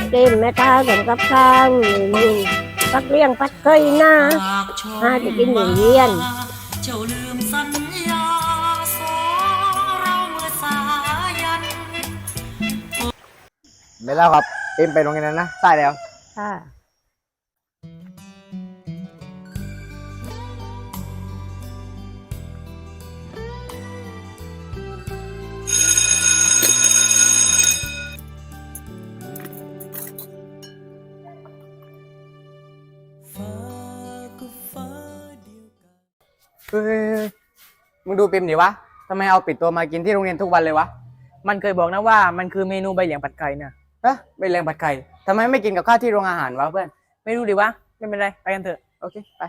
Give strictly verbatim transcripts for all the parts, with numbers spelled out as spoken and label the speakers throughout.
Speaker 1: เกมแม่ตาทำกับข้าวนี่ปักเลี้ยงปัดเคยหน้าหาจะกินอย่างเรียน
Speaker 2: เจ้าลืมสัญญาสองเราเมื่อสายัน
Speaker 3: ไม่แล้วครับเอ็มไปโรงเรียนนั้นนะใช่แล้ว
Speaker 1: ค่ะ
Speaker 3: เฮ้ยมึงดูปิมดิวะทำไมเอาปิดตัวมากินที่โรงเรียนทุกวันเลยวะ
Speaker 4: มันเคยบอกนะว่ามันคือเมนูใบเหลียงผัดไข่เนี่ย
Speaker 3: ฮะใบเหลียงผัดไข่ทำไมไม่กินกับข้าวที่โรงอาหารวะเพื่อน
Speaker 4: ไม่รู้ดิวะไม่เป็นไรไปกันเถอะ
Speaker 3: โอเคไป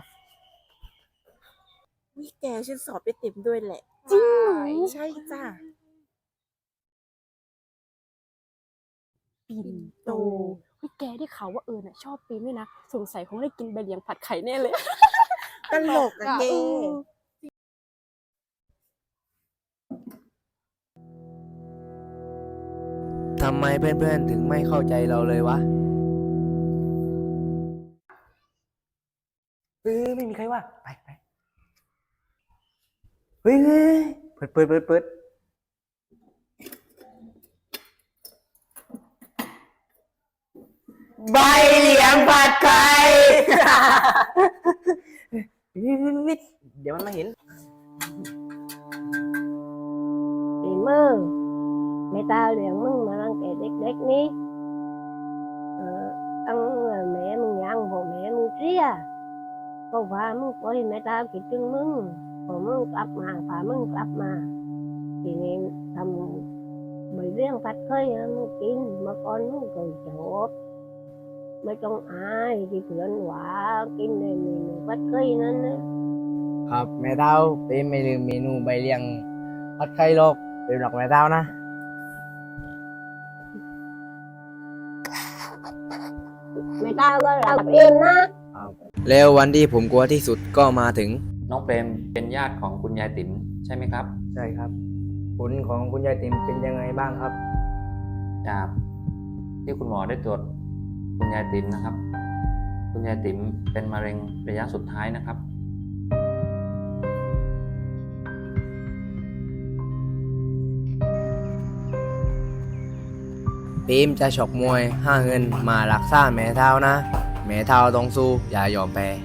Speaker 5: วิแกฉันสอบไปเต็มด้วยแหละจริงเหรอใช่จ้ะ
Speaker 6: ปิ่นโตเฮ้ยแกได้ข่าวว่าเอิญน่ะชอบปีนด้วยนะสงสัยคงได้กินใบเหลียงผัดไข่แน่เลย
Speaker 5: ตลกอะแก
Speaker 3: ทำไมเพื่อนๆถึงไม่เข้าใจเราเลยวะ
Speaker 4: เออไม่มีใครว่าไปไป
Speaker 3: เฮ้ยเปิดเปิดเปิดเปิดใบเหลียงผัดไข่
Speaker 4: เดี๋ยวมันมาเห็น
Speaker 1: ปีมือแม่ตาเลี้ยงมึงมาตั้งแต่เด็กๆนี้เออตั้งแม่มึงยังพอแม่มึงเสียก็พามึงไปแม่ตาคิดถึงมึงพอมึงกลับมาพามึงกลับมาทีนี้ทำใบเลี้ยงผัดไข่ให้มึงกินเมื่อก่อนมึงเคยชอบไม่ต้องอายที่เพื่อนหวากินในเมนูผัดไข่นั้นนะครับ
Speaker 3: แม่เต้าเป็นไม่ลืมเมนูใบเหลียงผัดไข่หรอกเป็นหลักแม่เต้านะ
Speaker 1: แม่ตาก็รับเองนะ
Speaker 3: แล้ววันที่ผมกลัวที่สุดก็มาถึง
Speaker 7: น้องเปรมเป็นญาติของคุณยายติ๋มใช่ไหมครับ
Speaker 3: ใช่ครับผลของคุณยายติ๋มเป็นยังไงบ้างครับ
Speaker 7: จากที่คุณหมอได้ตรวจคุณยายติ๋มนะครับคุณยายติ๋มเป็นมะเร็งระยะสุดท้ายนะครับ
Speaker 3: ปิมจะฉกมวยห้าเงินมารักษาแม่เท้านะแม่เท้าต้องสู้อย่ายอมแพ้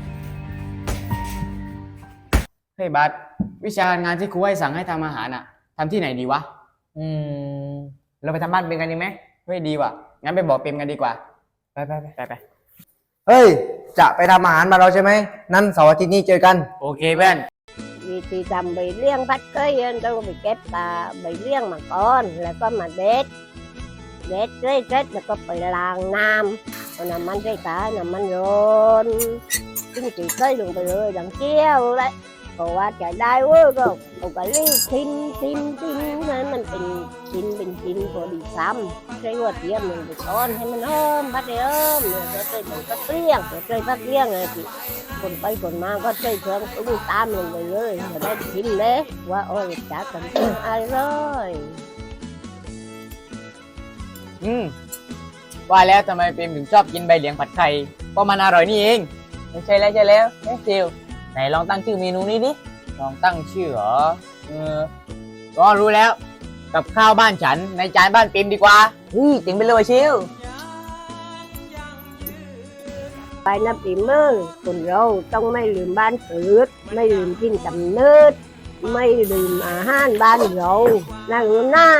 Speaker 3: เฮ้ยบัสวิชางานที่ครูให้สั่งให้ทำอาหารอ่ะทำที่ไหนดีวะ
Speaker 4: อืมเราไปทำบ้านเป็นกันดีไหม
Speaker 3: ไม่ดีว่ะงั้นไปบอกปิมกันดีกว่า
Speaker 4: ไปไปไปไปไป
Speaker 3: เฮ้ยจะไปทำอาหารมาเราใช่ไหมนั่นเสาร์อาทิตย์นี้เจอกันโอเคเพื่อน
Speaker 1: วิธีทำใบเลี้ยงผัดไข่ต้องไปเก็บตาใบเลี้ยงมาก่อนแล้วก็มาเด็ดเด็ดเสร็จแล้วก็ไปล้างน้ำเอาน้ำมันใส่ตาน้ำมันร้อนจิ้มจีไข่ลงไปเลยดังเกี้ยวเลยเพราะว่าจะได้เว้ยก็เอาไปรีบทิ้งทิ้งทิ้งนั้นมันเป็นชิ้นเป็นชิ้นพอดีซ้ำใช้หัวเทียมหนึ่งไปก้อนให้มันเอิ่มพัดเอิ่มเนี่ยจะใส่มันก็เปรี้ยงจะใส่พัดเปรี้ยงไงพี่คนไปคนมาก็ใส่เครื่องตุ้งตามลงไปเลยจะได้ชิมเลยว่าโอ้ยจะกันอะไรเลย
Speaker 4: อืมว่าแล้วทำไมเปรมถึงชอบกินใบเหลียงผัดไข่เพราะมันอร่อยนี่เองไม่ใช่แล้วใช่แล้วเฮ้ยซิลไหนลองตั้งชื่อเมนูนี้ดิลองตั้งชื่อเหรอเออก็รู้แล้วกับข้าวบ้านฉันในจานบ้านเปรมดีกว่าเฮ้ยจริงไปเลยชิล
Speaker 1: ไปนับปีมือคนเราต้องไม่ลืมบ้านเกิดไม่ลืมกินกำเนิดไม่ลืมอาหารบ้านเราน่าลืมนะ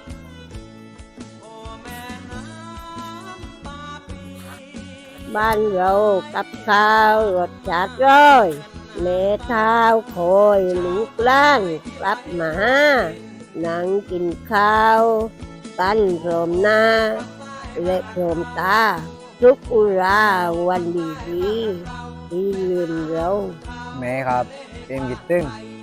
Speaker 1: บ้านเรากับข้าวรสชาติร้อยแม่เท้าคอยลูกล้านกลับมานั่งกินข้าวกันพร้อมหน้าและพร้อมตาทุกอุราวันดีดีที่ลืมเรา
Speaker 3: แม่ครับเต็มกิดตึ้ง